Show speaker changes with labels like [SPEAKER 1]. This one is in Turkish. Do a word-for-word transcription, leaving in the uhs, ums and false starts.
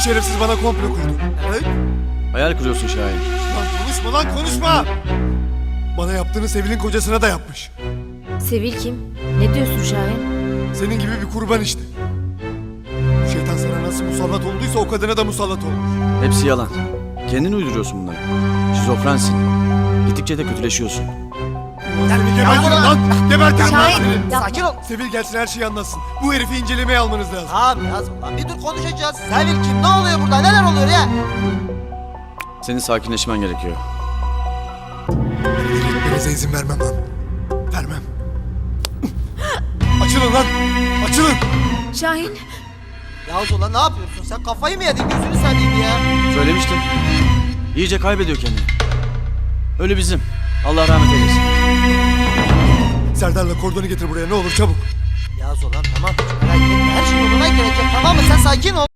[SPEAKER 1] şerefsiz bana komplo kurdu.
[SPEAKER 2] Evet.
[SPEAKER 3] Hayal kuruyorsun Şahin.
[SPEAKER 1] Lan konuşma lan konuşma! Bana yaptığını Sevil'in kocasına da yapmış.
[SPEAKER 4] Sevil kim? Ne diyorsun Şahin?
[SPEAKER 1] Senin gibi bir kurban işte. Bu şeytan sana nasıl musallat olduysa o kadına da musallat olmuş.
[SPEAKER 3] Hepsi yalan. Kendin uyduruyorsun bunları. Şizofrensin. Gittikçe de kötüleşiyorsun.
[SPEAKER 1] Ulan seni gebertirim lan! Gebertirim lan
[SPEAKER 4] Şahin,
[SPEAKER 1] seni!
[SPEAKER 4] yapma.
[SPEAKER 2] Sakin ol.
[SPEAKER 1] Sevil gelsin her şeyi anlatsın. Bu herifi incelemeye almanız lazım.
[SPEAKER 2] Abi yazma lan. Bir dur konuşacağız. Sevil kim? Ne oluyor burada? Neler oluyor ya?
[SPEAKER 3] Senin sakinleşmen gerekiyor.
[SPEAKER 1] Gitmenize izin vermem lan. Vermem. Açılın lan! Açılın!
[SPEAKER 4] Şahin,
[SPEAKER 2] Yavuz ulan ne yapıyorsun? Sen kafayı mı yedin? Gözünü seveyim ya.
[SPEAKER 3] Söylemiştim. İyice kaybediyor kendini. Ölü bizim. Allah rahmet eylesin.
[SPEAKER 1] Serdar'la kordonu getir buraya ne olur çabuk.
[SPEAKER 2] Yavuz ulan tamam. Merak etme. Her şey yoluna girecek. Tamam mı? Sen sakin ol.